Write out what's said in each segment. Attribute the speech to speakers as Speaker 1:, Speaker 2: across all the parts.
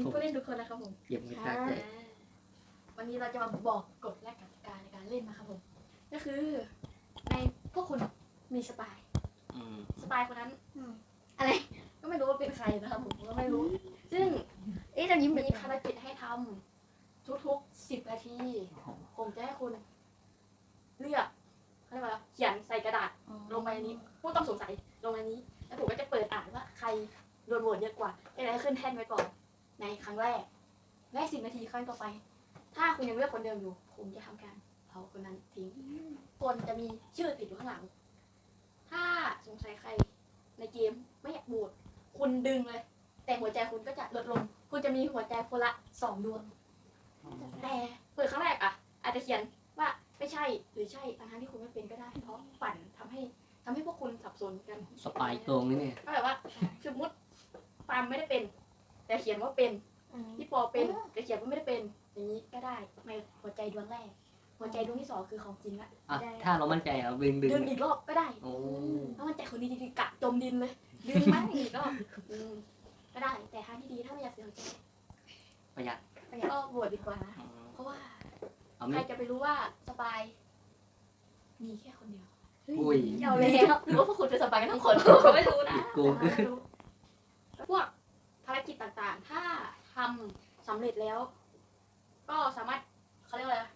Speaker 1: ผู้เล่นทุกคนนะครับผม
Speaker 2: เยี่ยมมากเลย
Speaker 1: วันนี้เราจะมาบอกกฎและกติกาในการเล่นนะครับผมก็คือในพวกคุณมีสปายคนนั้นอะไรก็ไม่รู้ว่าเป็นใครนะครับผมก็ไม่รู้ซึ่งจะยิ้มมีภารกิจให้ทำทุกๆ10 นาทีผมจะให้คุณเลือกเขาเรียกว่าเขียนใส่กระดาษลงไปในนี้ผู้ต้องสงสัยลงในนี้แล้วผมก็จะเปิดอ่านว่าใครโดนโหวตเยอะกว่าจะได้ขึ้นแท่นไว้ก่อนในครั้งแรกและ10 นาทีครั้งต่อไปถ้าคุณยังเลือกคนเดิมอยู่ผมจะทำการเผาคนนั้นทิ้งคนจะมีชื่อติดอยู่ข้างหลังถ้าสงสัยใครในเกมไม่อยากโหวตคุณดึงเลยแต่หัวใจคุณก็จะลดลงคุณจะมีหัวใจคนละ2 ดวงแต่เปิดครั้งแรกอาจจะเขียนว่าไม่ใช่หรือใช่ทั้งที่คุณไม่เป็นก็ได้เพราะปั่นทำให้พวกคุณสับสนกัน
Speaker 2: สปายตรงนี่เนี่ย
Speaker 1: ก็แบบว่าสมมติปามไม่ได้เป็นแต่เขียนว่าเป็นพี่ปอเป็นแต่เขียนว่าไม่ได้เป็นอย่างนี้ก็ได้ในหัวใจดวงแรกหัวใจดวงที่2คือของจริงละ
Speaker 2: ถ้าเรามั่นใจดึง
Speaker 1: อีกรอบก็ได้
Speaker 2: โอ้
Speaker 1: ถ้ามั่นใจคนนี้จริงๆกะจมดินเลยดึงมาอีกรอบก็ได้แต่ทางที่ดีถ้าไม่อยากเสียหัวใจ
Speaker 2: ประหยัด
Speaker 1: ก็โหวตดีกว่านะเพราะว่า
Speaker 2: เอา
Speaker 1: ใค
Speaker 2: ไม่
Speaker 1: รจะไปรู้ว่าสปายมีแค่คนเดียว
Speaker 2: อุ้ย
Speaker 1: เอาแล้วหรือว่าพวกคุณเป็นสปายกันทั้งคนก็ไม่รู้นะ
Speaker 2: โกง
Speaker 1: พวกภารกิจต่างๆถ้าทำสำเร็จแล้ว ก็สามารถเขาเรียกว่าอะไร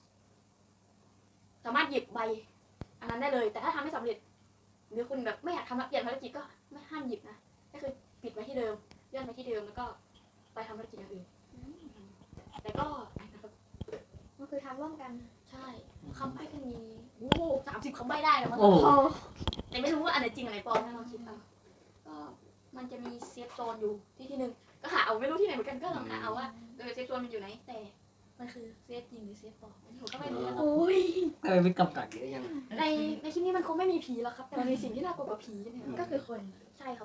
Speaker 1: สามารถหยิบใบอันนั้นได้เลยแต่ถ้าทำไม่สำเร็จหรือคุณแบบไม่อยากทำแล้วเปลี่ยนภารกิจก็ไม่ห้ามหยิบนะก็คือปิดไว้ที่เดิมเลื่อนไปที่เดิมแล้วก็ไปทำภารกิจอย่างอื่นแต่ก็มันคือทำร่วมกันใช่คำใบ้ก็มี30 คำใบ้ได้นะมันแต่ไม่รู้ว่าอันไหนจริงอันไหนปลอมนะลองคิดเอาก็มันจะมีเซฟโซนอยู่ที่นึงก็หาเอาไม่รู้ที่ไหนเหมือนกันก็ลองหาเอาว่าเซฟโซนมันอยู่ไหนแต่มันคือเซฟจริงหรือเซฟปลอมผมก็ไม่รู้นะ
Speaker 2: ทำไมไม่กำกัดเยอะยัง
Speaker 1: ในคลิปนี้มันคงไม่มีผีหรอกครับแต่มันมีสิ่งที่น่ากลัวกว่าผีเนี่ยก็คือคนใช่ครับ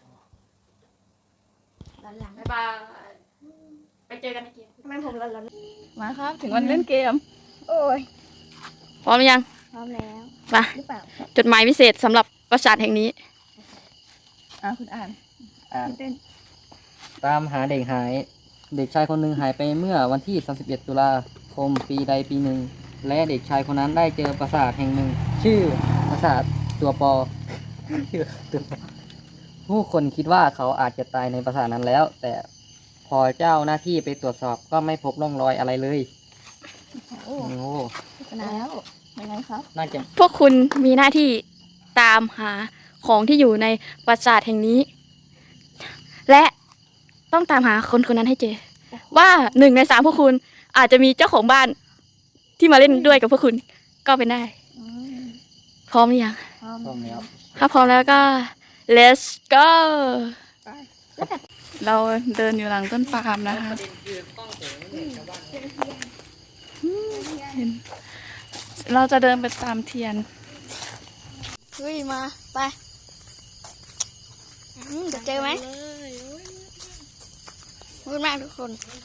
Speaker 1: หลังบ๊ายบายไปเจอกันในเกมทำไมผมหลัง
Speaker 3: มาครับถึงวันเล่นเกม
Speaker 1: โอ้ย
Speaker 3: พร้อมหรือยัง
Speaker 1: พร้อมแล้ว
Speaker 3: มา
Speaker 1: หรือเปล่า
Speaker 3: จดหมายพิเศษสำหรับปราสาทแห่งนี้คุณอ่าน
Speaker 1: เต้น
Speaker 2: ตามหาเด็กหาย เด็กชายคนหนึ่งหายไปเมื่อวันที่ 31 ตุลาคมปีใดปีหนึ่งและเด็กชายคนนั้นได้เจอปราสาทแห่งหนึ่งชื่อปราสาทตัวปอผู้คนคิดว่าเขาอาจจะตายในปราสาทนั้นแล้ว แต่พอเจ้าหน้าที่ไปตรวจสอบก็ไม่พบร่องรอยอะไรเลยโอ้โห
Speaker 1: แล้วยังไงครับ
Speaker 2: น่าจะ
Speaker 3: พวกคุณมีหน้าที่ตามหาของที่อยู่ในปราสาทแห่งนี้ และต้องตามหาคนคนนั้นให้เจอ ว่า1 ใน 3พวกคุณอาจจะมีเจ้าของบ้านที่มาเล่นด้วยกับพวกคุณก็เป็นได้ พร้อมหรือยัง
Speaker 2: พร้อมแล้ว
Speaker 3: ถ้าพร้อมแล้วก็ let's go เราเดินอยู่หลังต้นปาล์มนะคะเราจะเดินไปตามเทียนเฮ้ยมาไปจะเจอไหมพูดมากทุกคน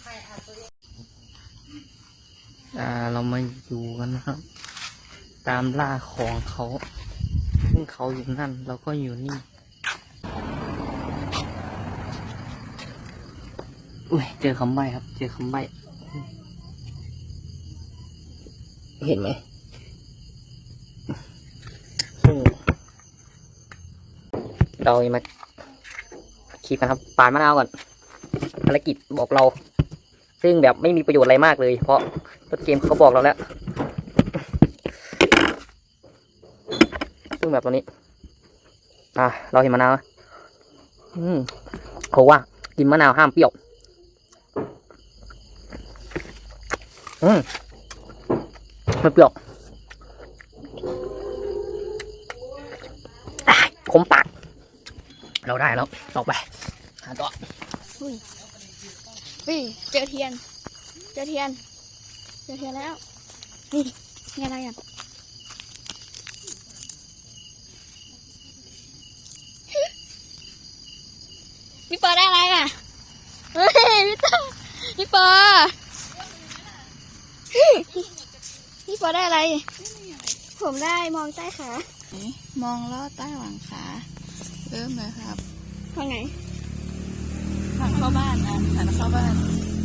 Speaker 2: เรามาอยู่กันนะครับ ตามล่าของเขาซึ่งเขาอยู่นั่นเราก็อยู่นี่อุ้ยเจอคำใบ้ครับ เจอคำใบ้เห็นไหมเรามาคิดกันครับปาดมะนาวก่อนภารกิจบอกเราซึ่งแบบไม่มีประโยชน์อะไรมากเลยเพราะต้นเกมเขาบอกเราแล้วซึ่งแบบตัวนี้เราเห็นมะนาวเขาว่ากินมะนาวห้ามเปรี้ยวไม่เปรี้ยวขมปากเราได้แล้วต่อไปหาต่อ
Speaker 3: เจอเทียนแล้วนี่อะไรอ่ะพี่ปอได้อะไรอ่ะเฮ้ยพี่ปอได้อะไรผมได้มองใต้ขามองลอดใต้หลังขาเริ่มเลยครับทางไหนทางเข้าบ้านนะทางเข้าบ้าน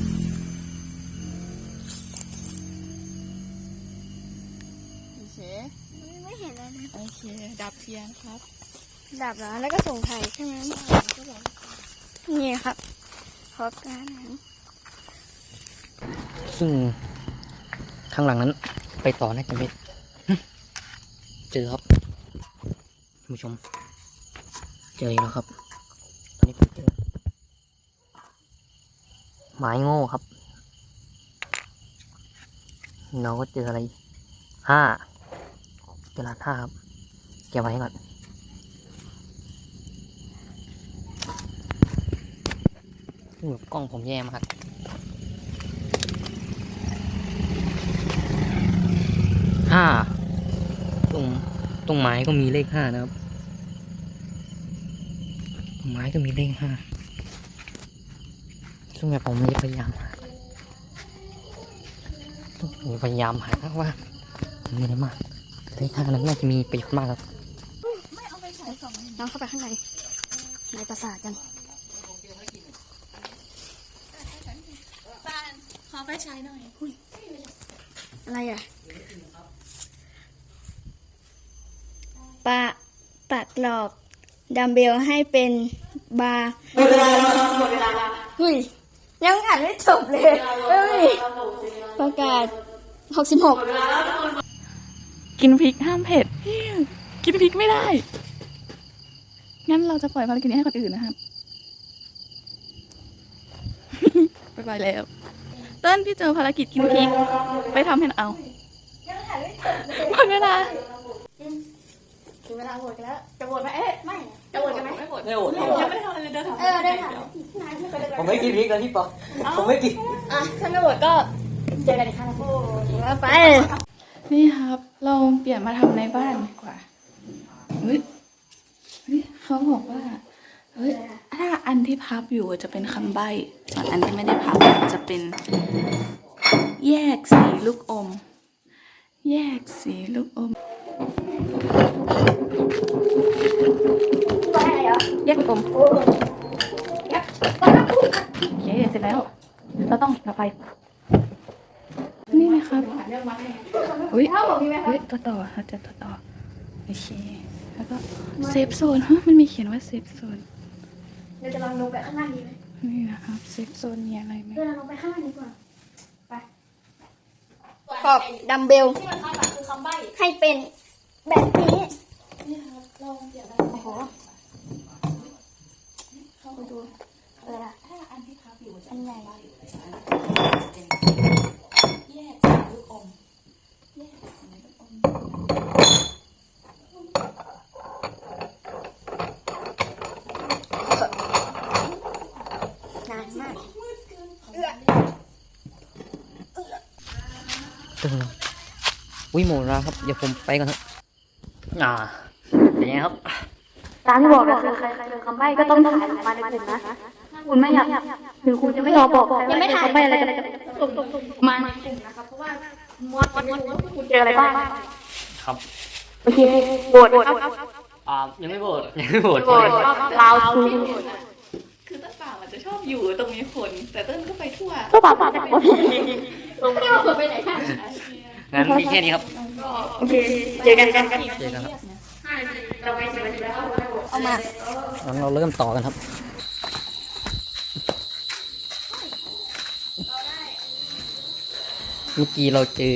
Speaker 3: โอเค
Speaker 1: ไม่เห็นอะไรเลย
Speaker 3: โอเคดับเทียนครับ
Speaker 1: ดับแล้วก็ส่งไข่ใช่ไหมนี่ครับขอการนั้น
Speaker 2: ซึ่งข้างหลังนั้นไปต่อน่าจะไม่เจอครับท่านผู้ชม เจออีกแล้วครับตอนนี้ผมเจอไม้โง่ครับเราก็เจออะไรเจอรหัส5ครับเก็บไว้ก่อนกล้องผมแย่มากตรงไม้ก็มีเลข5นะครับตรงไม้ก็มีเลข5ซึ่งแบบผมพยายามหาว่ามีอะไรมากเลข5นั้นน่าจะมีประโยชน์มากครับ
Speaker 1: น้องเข้าไปข้างในปราสาทกัน
Speaker 3: บ้านขอไฟฉายหน่อย
Speaker 1: อะไรอ่ะปะกรอบดัมเบลให้เป็นบาร์หมดเวลาเฮ้ยยังอ่านไม่จบเลยเฮ้ยประกาศ66
Speaker 3: กินพริกห้ามเผ็ด กินพริกไม่ได้ งั้นเราจะปล่อยภารกิจนี้ให้คนอื่นนะครับ ไปแล้วเต้นพี่เจอภารกิจกินพริก ไปทำให้เอาหมดเวลา
Speaker 1: ถึงเวลาโหวตกันแล้วจะโหวตไหมเอ๊ะไม่จะโหวตกันไหม
Speaker 3: ไม่หมด
Speaker 2: ไม่โหวต
Speaker 3: ยังไม่ได้ทำอะไรเลยเดินทาง
Speaker 1: ได้ค่ะนายไม่เคยได้
Speaker 2: ผมไม่กินพริกนะพี่ปอผมไม่กิน
Speaker 1: อ่ะถ้าไม่โหวตก็เจอกันอีกครั้งนะแล้วไป
Speaker 3: นี่ครับ เราเปลี่ยนมาทำในบ้านดีกว่าเฮ้ยเขาบอกว่า เฮ้ย ถ้าอันที่พับอยู่จะเป็นคำใบ้ส่วนอันที่ไม่ได้พับจะเป็น แยกสีลูกอม แยกสีลูกอม
Speaker 1: ไปไหนเหรอ
Speaker 3: แยกลูกอม
Speaker 1: โอ้ยักษ์
Speaker 3: โอเค เสร็จแล้ว เราต้องดับไฟ นี่นะครับเฮ้ย
Speaker 1: ถ้าผมมีไหมครับ
Speaker 3: เฮ้ย ตัวต่อเราจะตัวต่อ โอเค แล้วก็เซฟโซนฮะมันมีเขียนว่าเซฟโซน
Speaker 1: เราจะลองลงไปข้างล่างดีไหม
Speaker 3: นี่นะครับ เซฟโซนมีอะไรไหม
Speaker 1: เราลงไปข้างล่างดีกว่าไปขอบดัมเบลที่มันคาดหวังคือคำใบ้ให้เป็นแบบนี้นี่ครับลองเปลี่ยนได้โอ้โหเข้าไปดูล่ะ
Speaker 3: ถ้าอันที่พับอยู่จะ
Speaker 1: อันใหญ่
Speaker 3: แยกสีลูกอม แยกสีลูกอม
Speaker 1: นานมาก
Speaker 2: ตึงอุ้ยหมดแล้วครับเดี๋ยวผมไปก่อนครับเป็นไงครับ
Speaker 3: ตามที่บอกก็คือใครเจอคำใบ้ก็ต้องถ่ายมาในกลุ่มนะ คุณไม่อยากถึงคุณจะไม่ยอมบอก
Speaker 1: ยังไม่ถ่าย
Speaker 3: คำใบ้อะไรกันส่งมาในกลุ่มนะครับ เพราะว่าคุณเจออะไรบ้าง
Speaker 2: ครับ
Speaker 3: โอเคโหวตครับ
Speaker 2: ยังไม่โหวตยังไม่โหวต
Speaker 3: โหวตเราคือต้นป่ามันจะชอบอยู่ตรงนี้คน แต่ต้นก็ไปทั่วต้นป่าป่าว่าพี่
Speaker 1: ไม่ได้ว่าไปไหนค่ะ
Speaker 2: งั้นมีแค่นี้ครับ
Speaker 3: โอเคเจอกันกัน
Speaker 2: เจอกันครับ
Speaker 1: เอามา
Speaker 2: งั้นเราเริ่มต่อกันครับ เมื่อกี้เราเจอ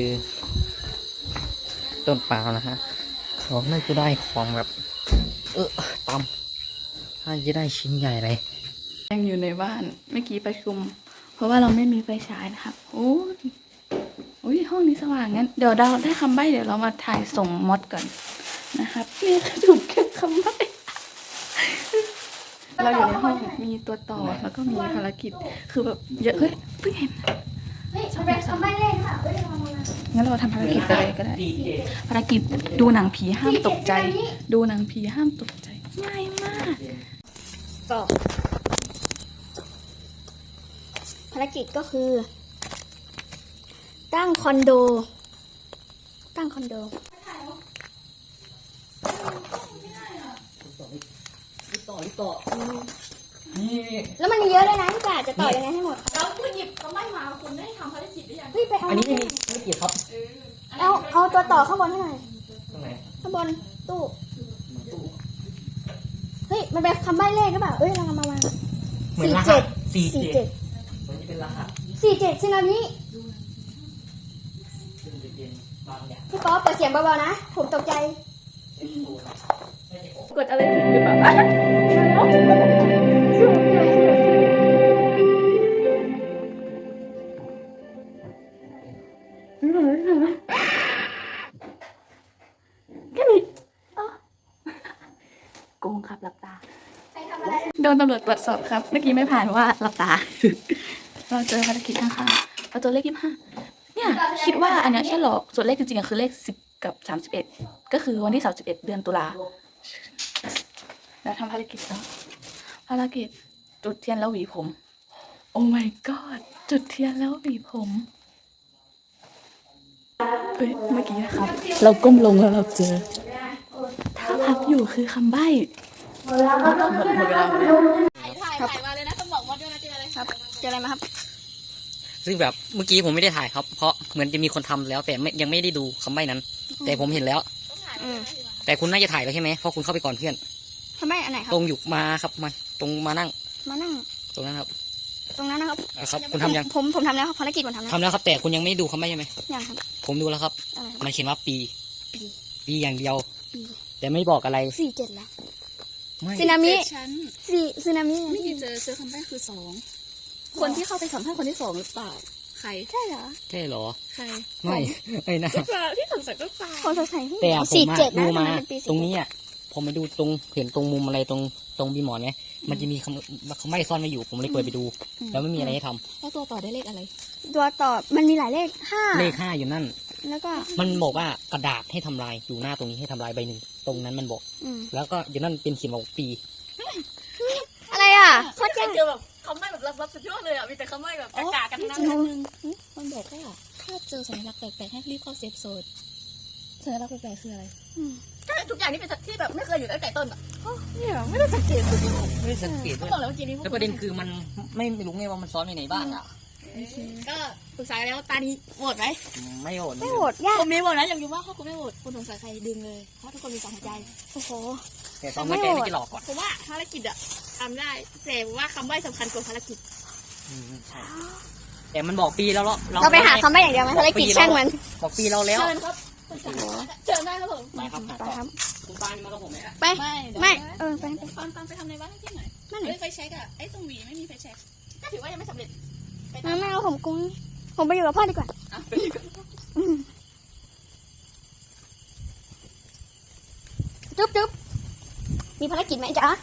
Speaker 2: ต้นปาล์มนะฮะเราน่าจะได้ของแบบ ตำน่าจะได้ชิ้นใหญ่เลย
Speaker 3: ยังอยู่ในบ้านเมื่อกี้ประชุม เพราะว่าเราไม่มีไฟฉายนะครับโอ้ยห้องนี้สว่างงั้นเดี๋ยวเราได้คำใบ้เดี๋ยวเรามาถ่ายส่งมดก่อนนะครับนี่ถูกแค่คำใบ้เราอยู่ในห้องมีตัวต่อแล้วก็มีภารกิจคือแบบเยอะเฮ้ยเพิ่งเห็น
Speaker 1: เฮ้ยมันเป็นคำใบ้เล่นค่ะเฮ้ยลองมา
Speaker 3: งั้นเราทำภารกิจไปเลยก็ได้ภารกิจดูหนังผีห้ามตกใจ ดูหนังผีห้ามตกใจง่ายมาก
Speaker 1: ก็ภารกิจก็คือ ตั้งคอนโด
Speaker 2: ต่อนี่
Speaker 4: แล้วมันมีเยอะเลยนะพี่ป่าจะต่อยังไงให้หมด
Speaker 1: แล้วคุณหยิบคำใบ้มาคุณได้ทำภารกิจหรือยัง
Speaker 4: เฮ้ยไปเอา
Speaker 2: อันนี้ไม่มีไม่กี่ครับ
Speaker 4: เอาตัวต่อข้างบนให้หน่อย
Speaker 2: ตรงไหน
Speaker 4: ข้างบนตู้เฮ้ยมันเป็นคำใบ้เลขหรือเปล่าเอ้ยเรามาวาง
Speaker 2: เหมือนรหัสสี่
Speaker 4: สี่
Speaker 2: เจ็
Speaker 4: เจ็
Speaker 2: ด
Speaker 4: ด
Speaker 2: มันจะเป็นรหัส
Speaker 4: 47ซึนามิ
Speaker 2: ซึ่งจะเป็นบางอย่าง
Speaker 4: พี่ป๊อปเปิดเสียงเบาๆนะ ผมตกใจ
Speaker 2: เป็นตัวไม่ใช่ของ
Speaker 3: กดอะไรผิดหรือเปล่ามาแล้วแค่นี้อ๋อโกงครับหลับตา โดนตำรวจตรวจสอบครับ เมื่อกี้ไม่ผ่านว่าหลับตา เราเจอภารกิจข้างๆเราตัวเลข25เนี่ย คิดว่าอันเนี้ยแค่หลอกส่วนเลขจริงๆอะคือเลข10กับ31ก็คือวันที่31เดือนตุลาแล้วทำภารกิจต่อภารกิจจุดเทียนแล้วหวีผม โอ้ my god จุดเทียนแล้วหวีผมเฮ้ยเมื่อกี้นะครับ เราก้มลงแล้วเราเจอถ้าพับอยู่คือคำใบ้หมดเวลาแล้ว
Speaker 1: ถ่ายมาเลยนะต้องบอกว่าด้วยนะเจออะไรครับ
Speaker 4: เจออะไรมาครับ
Speaker 2: ซึ่งแบบเมื่อกี้ผมไม่ได้ถ่ายครับ เพราะเหมือนจะมีคนทำแล้วแต่ยังไม่ได้ดูคำใบ้นั้น แต่ผมเห็นแล้ว
Speaker 4: อืม
Speaker 2: แต่คุณน่าจะถ่ายแล้วใช่ไหมเพราะคุณเข้าไปก่อนเพื่อน
Speaker 4: คำใบ้อันไหนครับ
Speaker 2: ตรงอยู่มาครับมาตรงมานั่ง
Speaker 4: มานั่ง
Speaker 2: ตรงนั้นครับ
Speaker 4: ตรงนั้นนะครับ
Speaker 2: ครับ คุณทำยัง
Speaker 4: ผมทำแล้วครับภารกิจผมทำแล้ว
Speaker 2: ทำแล้วครับ แต่คุณยังไม่ดูคำใบ้ใช่ไหม
Speaker 4: ยังครับ
Speaker 2: ผมดูแล้วครับ
Speaker 4: อะไรครับ
Speaker 2: มันเขียนว่าปี
Speaker 4: ปี
Speaker 2: ปีอย่างเดียว
Speaker 4: ปี
Speaker 2: แต่ไม่บอกอะไร
Speaker 4: 47แล้ว
Speaker 2: ไม่
Speaker 4: ซึนามิ
Speaker 1: ชั้น
Speaker 4: ซึนามิ
Speaker 1: ไม่มีเจอคำใบ้คือ2คนที่เข้าไปสัมภาษณ์คนที่2หรือเปล่าใคร
Speaker 4: ใช่เหรอ
Speaker 2: ใช่เหรอ
Speaker 1: ใคร
Speaker 2: ไม่ไม่นะ
Speaker 1: เปล่าที่สงสัยก็เปล่า
Speaker 4: คนสงสัย
Speaker 2: แต่ผม
Speaker 4: สี่
Speaker 2: อะ
Speaker 4: เจ็ด
Speaker 2: ดู
Speaker 4: นะ
Speaker 2: มา
Speaker 4: ทำไเป็นปี
Speaker 2: ตรงนี้อ่ะผมไปดูตรงเห็นตรงมุมอะไรตรงบีหมอนไหมมันจะมีคำใบ้ซ่อนไว้อยู่ ผมเลยเปิดไปดู แล้วไม่มีอะไรให้ทำ
Speaker 1: แล้วตัวต่อได้เลขอะไร
Speaker 4: ตัวต่อมันมีหลายเลข5
Speaker 2: เลข5อยู่นั่น
Speaker 4: แล้วก็
Speaker 2: มันบอกว่ากระดาษให้ทำลายอยู่หน้าตรงนี้ให้ทำลายใบหนึ่งตรงนั้นมันบอก
Speaker 4: อืม
Speaker 2: แล้วก็อยู่นั่นเป็นเขียนบอกปี
Speaker 4: อะไรอ่ะโคตร
Speaker 1: เค
Speaker 4: ยาย ก
Speaker 1: เจอแบบคำใบ้แบบลับๆสุดยอดเลยอ่ะมีแต่คำใบ้แบบกากๆกันทั้งนั้น
Speaker 4: จริง
Speaker 1: มันบอกว่าถ้าเจอสัญลักษณ์แปลกๆให้รีบเข้าเซฟโซนสัญลักษณ์แปลกๆคืออะไร
Speaker 4: อืม
Speaker 1: ทุกอย่างนี่เป็นที่แบบไม่เคยอยู่ตั้งแต่ต้นอ่ะเนี่ยไม่ได้สังเกตเลย
Speaker 2: ไม่ได้สังเกต
Speaker 1: ก็
Speaker 2: ด้วย
Speaker 1: บอกแล้วเมื่อกี้นี้
Speaker 2: แล้วประเด็นคือมันไม่รู้ไงว่ามันซ้อนไว้ไหนบ้างอ่ะ
Speaker 1: ก็ปรึกษาแล้วตานี้โหวตไหม
Speaker 2: ไม่โหด
Speaker 4: ไม่โหดยาก
Speaker 1: ผมมีโหวตนะอยากรู้ว่าถ้าคุณไม่โหวตคุณสงสัยใครดึงเลยเพราะทุกคนมีสองหัวใจ
Speaker 4: โอ้โห
Speaker 2: แต่ตอนไม่แกไม่จะหลอกก่อน
Speaker 1: ผมว่าภารกิจอะทำได้แต่ว่าคำใบ้สำคัญกว่าภารกิจ
Speaker 2: ใช่แต่มันบอกปีแล้วเนาะ
Speaker 4: เราไปหาคำใบ้อย่างเดียวไหมภารกิจช่างมัน
Speaker 2: บอกปีเราแล้ว
Speaker 1: เชิญครับเชิญได้ครับผม
Speaker 2: ไปครับ
Speaker 4: ไปครับ
Speaker 2: คุณปานมากับผมไหม
Speaker 4: ไป ไม่เออไป
Speaker 1: ตอนไปทำในบ้านที่ไหน
Speaker 4: นั่นไหน
Speaker 1: เฮ้ยไฟแช็กอะไอ้ตรงหวีไม่มีไฟแช็กก็ถือว่ายังไม่สำเร็จ
Speaker 4: ไม่เอาผมกุ้งผมไปอยู่กับพ่อดีกว่า
Speaker 1: อ่ะไปอยู่กัน
Speaker 4: จุ๊บจุ๊บมีภารกิจไหมจ๊ะ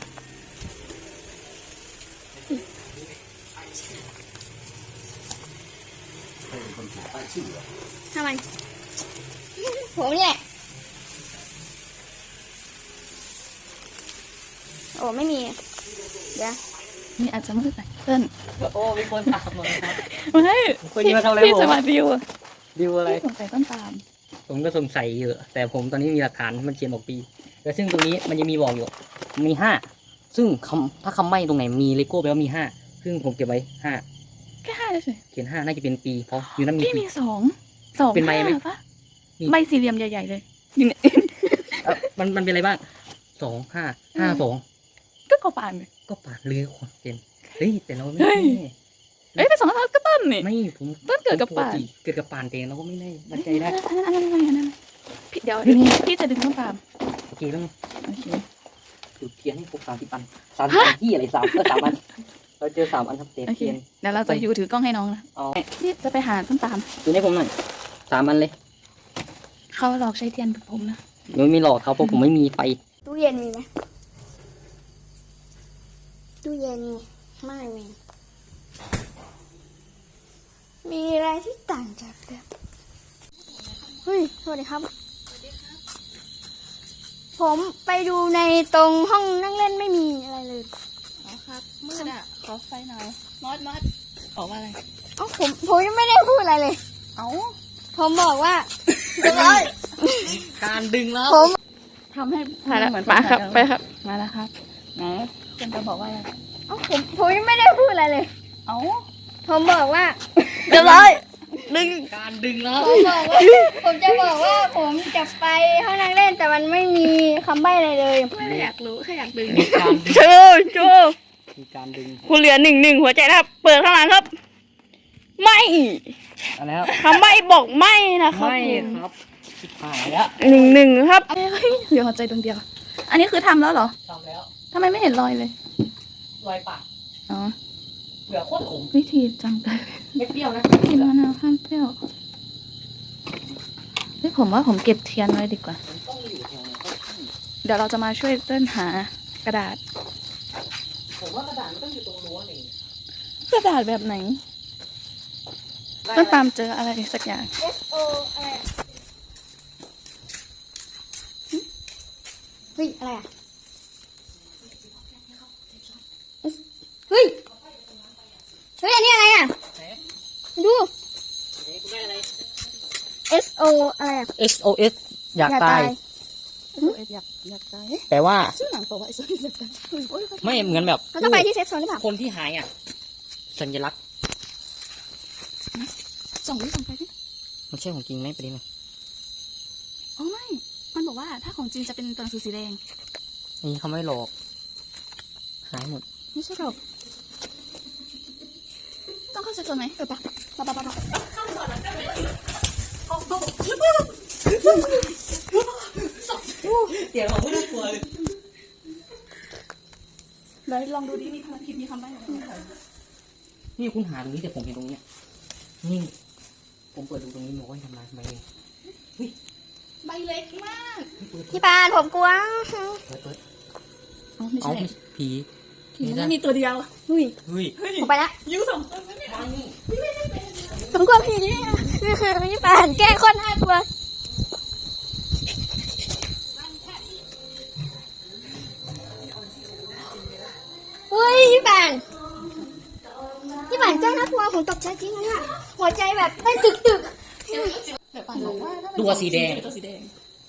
Speaker 4: ทำไมผมนี่แหละโอ้ไม่มี เดี๋ยว
Speaker 3: นี่อาจจะมืดหน่อยเติ้ล
Speaker 2: โอ้มีคนตามมาครับ
Speaker 3: ไม่
Speaker 2: คนนี้มาทำอะไร
Speaker 3: พี่
Speaker 2: ผม
Speaker 3: จะมาดิว
Speaker 2: ดิวอะไร
Speaker 3: พี่สงสัยต้นตาล
Speaker 2: ผมก็สงสัยอยู่แต่ผมตอนนี้มีหลักฐานมันเขียนบอกปีแต่ซึ่งตรงนี้มันจะมีบอกอยู่มี5ซึ่งถ้าคำใบ้ตรงไหนมีเลโก้แปลว่ามี5ซึ่งผมเก็บไว้5
Speaker 3: แค่5เฉย
Speaker 2: เขียน5น่าจะเป็นปีเพราะอยู่นั่นมี
Speaker 3: พี่
Speaker 2: ปี
Speaker 3: มี2
Speaker 2: เป็นใบไหม
Speaker 3: ปะ
Speaker 2: มี
Speaker 3: ใบสี่เหลี่ยมใหญ่ๆเลยนี่เนี่ย
Speaker 2: มันเป็นอะไรบ้าง2 5 5 2
Speaker 3: ก็กอปานเลย
Speaker 2: ก็ปาดเรือคนเป็นเฮ้ยแต่เราไม่
Speaker 3: เฮ้ย
Speaker 2: แน่
Speaker 3: เอ้ยเป็น2 5ก็ต้นนี่
Speaker 2: ไม่ผม
Speaker 3: ต้นเกิดกับปาน
Speaker 2: ปติเกิดกับปานเองเราก็ไม่ได้มั่นใจได้
Speaker 3: อันนั้นพี่เดี๋ยวพี่จะดึงต้นตาม
Speaker 2: โอเคต้อง
Speaker 3: โอเค
Speaker 2: จุดเทียนให้ครบ30 อัน30ที่อะไร3 อันเราเจอ3 อันครับเตะ
Speaker 3: โอเค
Speaker 2: เทียน
Speaker 3: เดี๋ยวเราจะอยู่ถือกล้องให้น้องนะ
Speaker 2: เอา
Speaker 3: พี่จะไปหาต้นตาม
Speaker 2: ดูให้ผมหน่อย3 อันเลย
Speaker 3: เขาหลอกใช้เทียนแบบผมนะ
Speaker 2: ไม่หลอกเขาเพราะผมไม่มีไฟ
Speaker 4: ตู้เย็นมีไหมตู้เย็นไม่มี มีอะไรที่ต่างจากเดิมเฮ้ย สวัสดีครับ ผมไปดูในตรงห้องนั่งเล่นไม่มีอะไรเลย
Speaker 1: อ๋อครับมืดอะขอไฟหน่อยมอดออกว่าอะไร
Speaker 4: เอ้าผมยังไม่ได้พูดอะไรเลย
Speaker 1: เอ้า
Speaker 4: ผมบอกว่า
Speaker 2: การดึงแล้ว
Speaker 4: ผม
Speaker 1: ทำให้
Speaker 3: มาแล้ว
Speaker 1: เหมือน
Speaker 3: มาครับ
Speaker 1: ปัญหา
Speaker 3: ไปครับ มาแล้วครับ
Speaker 1: ไหนคุณจะบอกว่าอะไร
Speaker 4: เอ้าผมยังไม่ได้พูดอะไรเลย
Speaker 3: เอ้า
Speaker 4: ผมบอกว่า
Speaker 3: เรียบร้อยดึง
Speaker 2: การดึงแล้ว
Speaker 4: ผมบอกว่า ผมจะบอกว่าผมจะไปห้องนั่งเล่นแต่มันไม่มีคำใบ้อะไรเลย
Speaker 3: ไม่อยากรู้แค่อยากดึง
Speaker 2: มีการดึง
Speaker 3: โชว์โชว์
Speaker 2: มีการดึง
Speaker 3: คุณเหลือ1-1หัวใจนะครับ เปิดข้างหลังครับ ไม่
Speaker 2: อะไรครับ
Speaker 3: คำใบ้บอกไม่นะครับ
Speaker 2: ไม่ครับชิบหายแล้ว
Speaker 3: 1-1ครับเฮ้ยเหลือหัวใจดวงเดียว อันนี้คือทำแล้วเหรอ
Speaker 2: ทำแล้ว
Speaker 3: ทำไมไม่เห็นรอยเลย
Speaker 2: รอยปาก
Speaker 3: อ๋อ
Speaker 2: เหลือโคตรขม
Speaker 3: วิธีจำกัน
Speaker 2: ไม่เปรี้ยวนะ
Speaker 3: กินมะนาวข้ามเปรี้ยวเฮ้ยผมว่าผมเก็บเทียนไว้ดีกว่า
Speaker 2: มันต้องอยู่แถวไหนก็ที่
Speaker 3: เดี๋ยวเราจะมาช่วยเต้นหากระดาษ
Speaker 2: ผมว่ากระดาษมันต้องอยู่ตรงรั้วนี่
Speaker 3: กระดาษแบบไหนต้นตามเจออะไรสักอย่าง
Speaker 4: S O อะไรเฮ้ยอะไรอ่ะ เฮ้ย เฮ้ยอันนี้อะไรอ่ะ
Speaker 2: ไหน
Speaker 4: ดู
Speaker 2: ไหนคุณได้อะไร
Speaker 4: S O อะไรอ่ะ
Speaker 2: SOS อยากตาย
Speaker 3: อยากตาย
Speaker 2: แปลว่า
Speaker 3: ชื่อหนังบอกว่าไอ้ส้นอยากตายโอ้ย
Speaker 2: ไม่เหมือนแบบ
Speaker 4: เราต้องไปที่เซฟโซนหรือเปล่า
Speaker 2: คนที่หายอ่ะ สัญลักษณ์
Speaker 3: ส่องไปสิ
Speaker 2: มันใช่ของจริงไหมประเด็นน่ะ
Speaker 3: อ๋อไม่ มันบอกว่าถ้าของจริงจะเป็นตัวหนังสือสีแดง
Speaker 2: อันนี้เขาไม่หลอก หายหมด
Speaker 3: ไม่ใช่หรอกต้องเข้าเซฟโซนไหมปะ
Speaker 2: เสียงของไม่น่ากลัวเลย
Speaker 3: เลยลองดูดิมีคำผิดมีคำใบ้อะไรไหม
Speaker 2: นี่คุณหาตรงนี้แต่ผมเห็นตรงเนี้ยนี่ ผมเปิดดูตรงนี้บอกว่าทำไมเฮ้ย
Speaker 3: ใบเล็กมาก
Speaker 4: พี่ปานผมกลัว
Speaker 2: เปิด
Speaker 3: อ๋อไม่
Speaker 2: เอา
Speaker 3: ใช่
Speaker 2: ผี
Speaker 3: มันมีตัวเดียวอุ้ย
Speaker 2: เฮ้ย
Speaker 4: ผมไปละ
Speaker 3: ยูสองตัวไม่ได้
Speaker 4: ผมกลัวผีพี่ปานแกล้งคนน่ากลัวเฮ้ยพี่ปานแกล้งน่ากลัวผมตกใจจริงเลยอะหัวใจแบบเต้นตึก
Speaker 3: แต่ป่านบอกว่า
Speaker 2: ตัวสีแดง
Speaker 3: ตัวสีแดง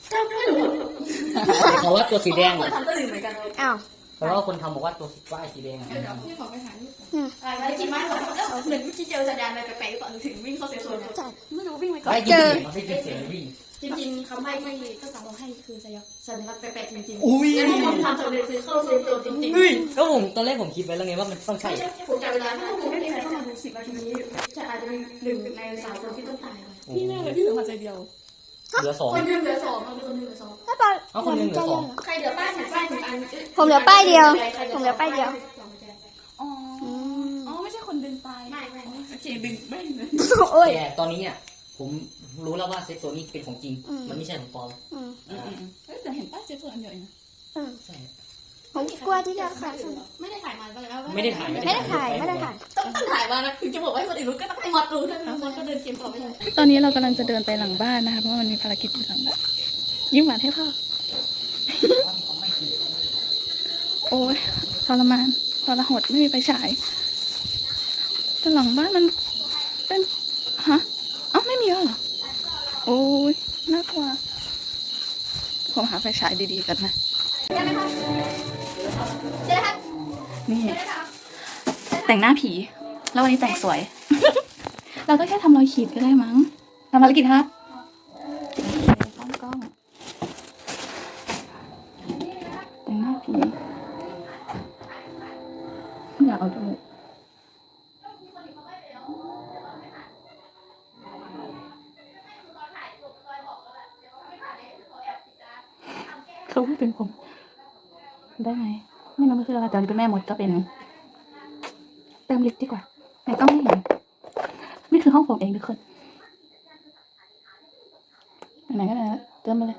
Speaker 2: เขาว่าตัวสีแดง
Speaker 3: ทำตัวอื่นเหมือนกันเลย
Speaker 4: อ้าว
Speaker 2: เพราะว่าคนทำบอกว่าตัวป้ายสีแดงอ่ะ
Speaker 3: พี่ขอไปหาลูกอะไรกินมากเลยเหมือนเมื่อกี้เจอสัญญาณอะไรแปลกๆก่อนถึงวิ่งเข้าเซฟโซนไม่รู้วิ่งไปก่อน
Speaker 2: ไม่จริงๆมันไม่เป็นเสียงวิ่ง
Speaker 3: จริงๆคำใบ้ที่ต้นสาวบอกให้คือสัญลักษณ์แปลกๆจริงๆ
Speaker 2: อุ้ย
Speaker 3: แล้วทุกคนทำสำเร็จคือเข้าเซฟโซนจริงๆ
Speaker 2: เฮ้ยก็ผมตอนแรกผมคิดไว้แล้วไงว่ามันต้องใช่
Speaker 3: ผมจับเวลาถ้าคุณไม่มีใครเข้ามาดู10 นาทีนี้จะอาจจะมี1 ใน 3 คนที่ต้องตายพี่แน่เลยพี่เหลือหัวใจเดียว
Speaker 2: เหลือสอง
Speaker 3: คนหนึ่งเหลือ2คนหนึ่งเหลือ2
Speaker 4: ถ้าปาน
Speaker 2: เอาคนหนึ่งเหลือสอง
Speaker 3: ใครเหลือป้ายหนึ่งป้ายหนึ่งอัน
Speaker 4: ผมเหลือป้ายเดียวผมเหลือป้ายเดียว
Speaker 3: อ๋อไม่ใช่คนดึงไปไม่โอเคดึงไม่เลย
Speaker 4: โอ้ย
Speaker 2: แต่ตอนนี้อ่ะผมรู้แล้วว่าเซฟโซนนี้เป็นของจริง มันไม่ใช่ของปลอม
Speaker 3: แต่เห็นป้ายเซฟโซนอันเดียวเอง
Speaker 2: ใช่
Speaker 4: ผมกลัวที่จะขาด
Speaker 3: ไม่ได้ถ่ายมาแล้ว
Speaker 2: ไม่ได้ถ่าย
Speaker 4: ไม่ได้ถ่าย
Speaker 3: ต้องถ่ายมานะถึงจะบอกให้คนอื่นรู้ก็ต้องให้หมดรู้นะคนก็เดินเกมต่อไปตอนนี้เรากำลังจะเดินไปหลังบ้านนะคะเพราะว่ามันมีภารกิจอยู่หลังบ้านยิ้มหวานให้พ่อโอ้ยทรมานทรหดไม่มีไฟฉายแต่หลังบ้านมันเป็นฮะเอ้าไม่มีแล้วเหรอโอ้ยน่ากลัวผมหาไฟฉายดีๆกันนะ
Speaker 4: ได้ไหมคะเจ๊ครับ
Speaker 3: นี่แต่งหน้าผี แล้ววันนี้แต่งสวย เราก็แค่ทำรอยขีดก็ได้มั้งทำภารกิจครับตั้งกล้องแต่งหน้าผีอยากเอาจมูกเขาพูดถึงผมได้ไหมไม่รู้มันคืออะไรแต่เป็นแม่มดก็เป็นเติมลิปดีกว่าแต่ต้องไม่เห็นนี่คือห้องผมเองทุกคนไหนก็ได้เติมไปเลย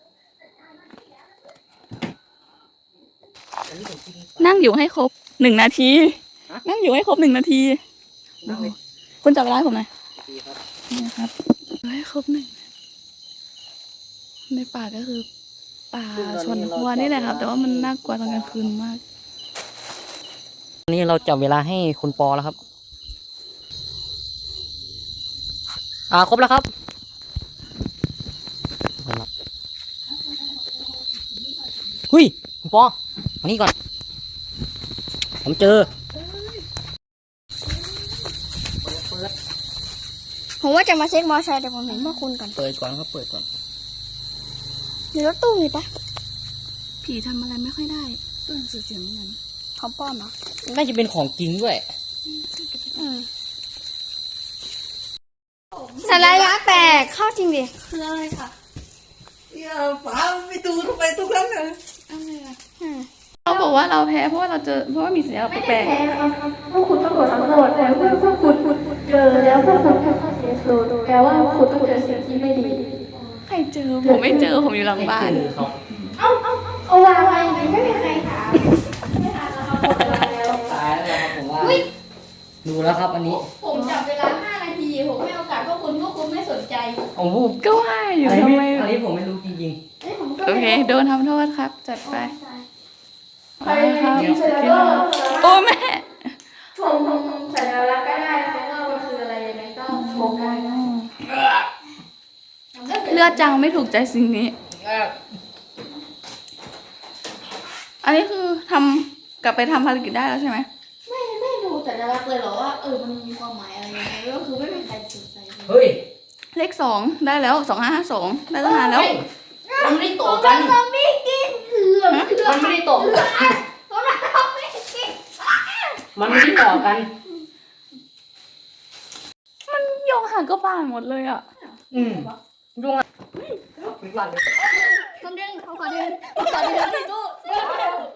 Speaker 3: นั่งอยู่ให้ครบ1 นาที นั่งอยู่ให้ครบ1 นาทีคุณจับเวลาให้ผมหน่อยนี่นะครับให้ครบ1ในป่าก็คือป่าชนหัวนี่แหละครับ แต่ว่ามันน่ากลัวตอนกลางคืนมาก
Speaker 2: วันนี้เราจับเวลาให้คุณปอแล้วครับ ครบแล้วครับหุยคุณปอมานี่ก่อนผมเจอ
Speaker 4: ผมว่าจะมาเช็คมอไซค์แต่ผมเห็นพวกคุณก่อน
Speaker 2: เปิดก่อนครับ เปิดก่อน
Speaker 4: มีรถตู้มีปะ
Speaker 3: ผีทำอะไรไม่ค่อยได้ตัวหนังสือเสียงเหมือนกัน
Speaker 4: ของป้อมเหรอ
Speaker 2: น่าจะเป็นของจริงด้วย
Speaker 4: สไลด์ล้างแตกเข้าจริงดิ
Speaker 1: คืออะไรค่ะ
Speaker 2: อย่าฟ้าไปดูทำไมทุกครั้งเลย
Speaker 3: เขาบอกว่าเราแพ้เพราะว่าเราเจอเพราะว่ามีสัญลักษณ์แปลก
Speaker 1: พวกคุณต้องโดนทั้งหมดแต่พวกคุณเจอแล้วพวกคุณแค่ข้อเสียสูตรแปลว่าคุณต้องเจอสิ่งที่ไม่ดี
Speaker 3: ๆใครเจอผมไม่เจอผมอยู่หลังบ้าน
Speaker 1: เอาวางไว้ไม่มีใครถามไม่ถามแล้วครับหมดเวลาแล้ว
Speaker 2: ตายแล้วครับผมว่า ดูแล้วครับอันนี้
Speaker 1: ผมจับเวลา 5 นาที ผมให้โอกาสพวกคุณไม่สนใจ
Speaker 2: โอ้โห
Speaker 3: ก็ว่าอยู่
Speaker 2: อัน
Speaker 3: ทำ
Speaker 2: นี้
Speaker 3: ไม
Speaker 2: อันนี้ผมไม่รู้จริง
Speaker 1: เอ้ยผมก็
Speaker 3: โอเค โดนทำโทษครับ จัดไป
Speaker 1: ใครกินเสร็จแล้วก็
Speaker 3: โอ้แม่
Speaker 1: ชมสัญลักษณ์ก็ได้นะคะว่ามันคืออะไรยังไงก็ชมได้นะ
Speaker 3: เลือดจังไม่ถูกใจสิ่งนี้ อันนี้คือทำกลับไปทำภารกิจได้แล้วใช่ไหม
Speaker 1: ไม่รู้สัญลักษณ์เลยเหรอว่ามันมีความหมายอะไรยังไงก็คือไม่มีใครสนใจเลย
Speaker 2: ๆ เฮ้ย
Speaker 3: เลข2ได้แล้ว2552ได้ตั้งนานแล้ว
Speaker 2: มันไม่ได้ต่อกัน
Speaker 1: มันไม่กินเหลือม
Speaker 2: มันไม่ได้ต่อกัน
Speaker 1: มันไม่กิน
Speaker 2: มันไม่ได้ต่อกัน
Speaker 3: มันโยงหางก็ป่านหมดเลยอ่ะ
Speaker 2: อืมดวงอ่ะปิดหลังเลย
Speaker 4: ผมขอเดินที่ตู้